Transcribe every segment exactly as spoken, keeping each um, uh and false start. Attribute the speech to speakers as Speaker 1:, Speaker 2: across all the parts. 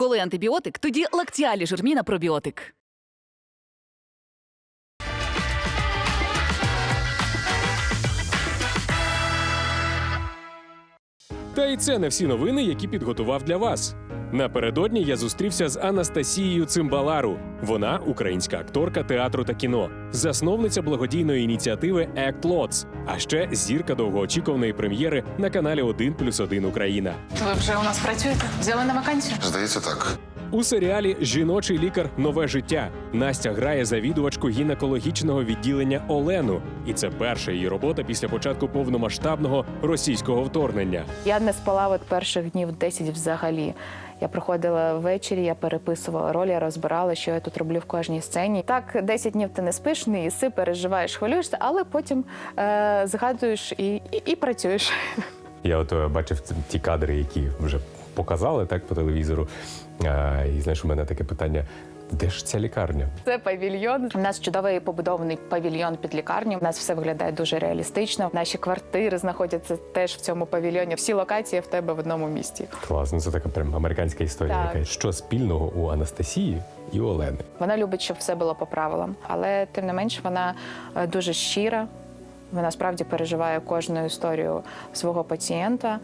Speaker 1: Коли антибіотик, тоді Лактіалі Жирміна пробіотик.
Speaker 2: Та й це не всі новини, які підготував для вас. Напередодні я зустрівся з Анастасією Цимбалару. Вона українська акторка театру та кіно, засновниця благодійної ініціативи Act Lots, а ще зірка довгоочікуваної прем'єри на каналі один плюс один Україна.
Speaker 3: Ви вже у нас працюєте? Взяли на вакансію?
Speaker 4: Здається, так.
Speaker 2: У серіалі «Жіночий лікар. Нове життя» Настя грає завідувачку гінекологічного відділення Олену. І це перша її робота після початку повномасштабного російського вторгнення.
Speaker 5: Я не спала от перших днів десять взагалі. Я приходила ввечері, я переписувала роль, я розбирала, що я тут роблю в кожній сцені. Так, десять днів ти не спиш, не їси, переживаєш, хвилюєшся, але потім е- згадуєш і, і, і працюєш.
Speaker 6: Я от е, бачив ті кадри, які вже показали так по телевізору. А, і знаєш, у мене таке питання: де ж ця лікарня?
Speaker 5: Це павільйон. У нас чудовий побудований павільйон під лікарню. У нас все виглядає дуже реалістично. Наші квартири знаходяться теж в цьому павільйоні. Всі локації в тебе в одному місті.
Speaker 6: Класно, це така прям американська історія.
Speaker 5: Так.
Speaker 6: Яка. Що спільного у Анастасії і Олени?
Speaker 5: Вона любить, щоб все було по правилам, але тим не менш вона е, дуже щира. Вона справді переживає кожну історію свого пацієнта.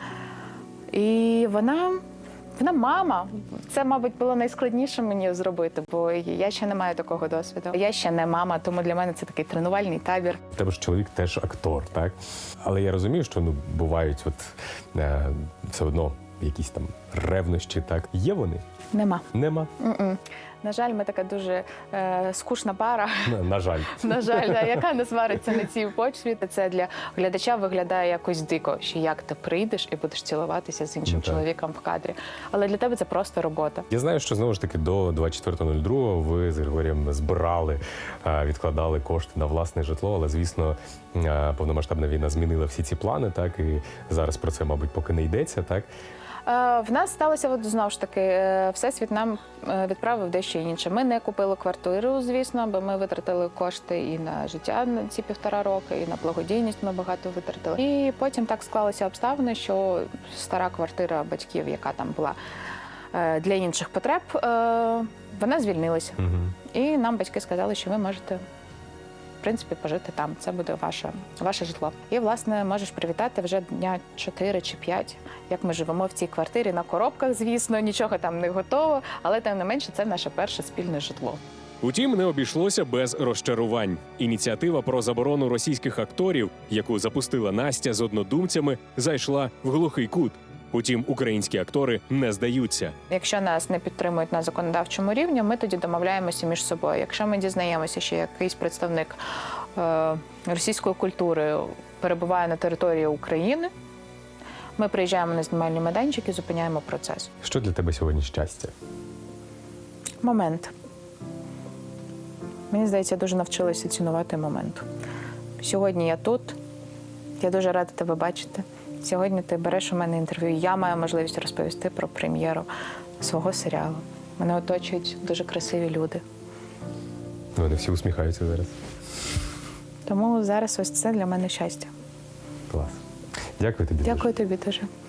Speaker 5: І вона, вона мама. Це, мабуть, було найскладніше мені зробити, бо я ще не маю такого досвіду. Я ще не мама, тому для мене це такий тренувальний табір.
Speaker 6: У тебе ж чоловік теж актор, так? Але я розумію, що ну бувають от е, все одно якісь там ревнощі, так? Є вони?
Speaker 5: Нема.
Speaker 6: Нема?
Speaker 5: М-м. На жаль, ми така дуже е, скучна пара.
Speaker 6: На, на жаль.
Speaker 5: На жаль, да, яка не свариться на цій почві. Це для глядача виглядає якось дико, що як ти прийдеш і будеш цілуватися з іншим
Speaker 6: Ну, так.
Speaker 5: чоловіком в кадрі. Але для тебе це просто робота.
Speaker 6: Я знаю, що знову ж таки до двадцять четвертого другого ви з Григорієм збирали, е, відкладали кошти на власне житло, але, звісно, е, повномасштабна війна змінила всі ці плани, так? І зараз про це, мабуть, поки не йдеться, так?
Speaker 5: Е, В нас сталося, от, знову ж таки, е, Всесвіт нам е, відправив дещо інше. Ми не купили квартиру, звісно, бо ми витратили кошти і на життя на ці півтора роки, і на благодійність ми багато витратили. І потім так склалися обставини, що стара квартира батьків, яка там була е, для інших потреб, е, вона звільнилася.
Speaker 6: Угу.
Speaker 5: І нам батьки сказали, що ви можете, в принципі, пожити там. Це буде ваше, ваше житло. І, власне, можеш привітати вже дня чотири чи п'ять, як ми живемо в цій квартирі, на коробках, звісно, нічого там не готово, але, тим не менше, це наше перше спільне житло.
Speaker 2: Утім, не обійшлося без розчарувань. Ініціатива про заборону російських акторів, яку запустила Настя з однодумцями, зайшла в глухий кут. Утім, українські актори не здаються.
Speaker 5: Якщо нас не підтримують на законодавчому рівні, ми тоді домовляємося між собою. Якщо ми дізнаємося, що якийсь представник е, російської культури перебуває на території України, ми приїжджаємо на знімальні майданчики і зупиняємо процес.
Speaker 6: Що для тебе сьогодні щастя?
Speaker 5: Момент. Мені здається, я дуже навчилася цінувати момент. Сьогодні я тут, я дуже рада тебе бачити. Сьогодні ти береш у мене інтерв'ю, я маю можливість розповісти про прем'єру свого серіалу. Мене оточують дуже красиві люди.
Speaker 6: Вони всі усміхаються зараз.
Speaker 5: Тому зараз ось це для мене щастя.
Speaker 6: Клас. Дякую тобі. дуже.
Speaker 5: Дякую тобі дуже.